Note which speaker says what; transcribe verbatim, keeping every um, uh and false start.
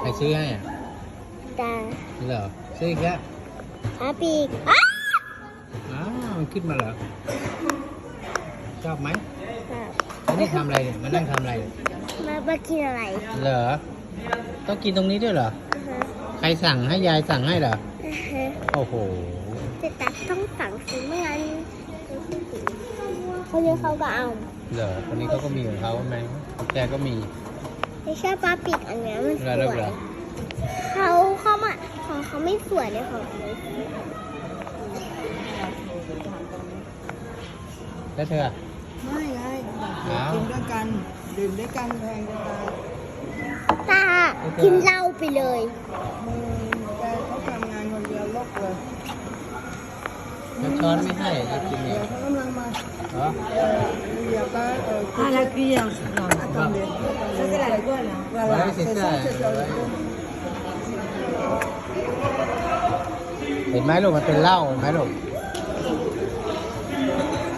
Speaker 1: ซื้อให้อ่ะ
Speaker 2: ตา
Speaker 1: เหรอซื้ออีกแล้ว
Speaker 2: อาปีกอ้า
Speaker 1: อ้าวมันขึ้นมาเหรอชอบไหม
Speaker 2: ครับ
Speaker 1: แล้วนี่ทำอะไรเนี่ยมานั่งทำอะไรเนี่ย
Speaker 2: มามากินอะไร
Speaker 1: เหรอต้องกินตรงนี้ด้วยเหรอ
Speaker 2: อือฮะ
Speaker 1: ใครสั่งให้ยายสั่งให้เหรอ
Speaker 2: อือฮะ
Speaker 1: โอ้โห
Speaker 2: แต่ตาต้องสั่งซื้อไม่งั้นคนนี้เขาก็เอา
Speaker 1: เหรอคนนี้เขาก็มีของเขาไหมแกก็มี
Speaker 2: ไม่ใช่ปลาปีกอันเนี้ยมันส
Speaker 1: เหรอ
Speaker 2: วย
Speaker 1: เหรอ
Speaker 2: เขาเขามาของเขาไม่สวยเลยของเขา
Speaker 1: แล้วเธอ
Speaker 3: ไม่ไงกินด้วยกันดื่มด้วยกันแพงจะตาย
Speaker 2: ตากินเหล้าไปเลย
Speaker 3: มึงแกเขาทำงานคนเดียวลกเลย
Speaker 1: แล้วช้อนไม่ให้จะกินเนี่
Speaker 3: เดี๋
Speaker 1: ย
Speaker 3: ยวเขากำลังมา
Speaker 1: เหรอ
Speaker 3: เออเดี๋ยวก็เออคุณ
Speaker 4: Ala kia.
Speaker 3: también.
Speaker 4: Esa es la iguana.
Speaker 3: Voilà,
Speaker 1: Ouais, c'est
Speaker 3: c'est
Speaker 1: ça,
Speaker 3: ça, c'est ça.
Speaker 1: ouais. เห็นไหมลูกมันเป็นเหล้าเห็นไหมลูก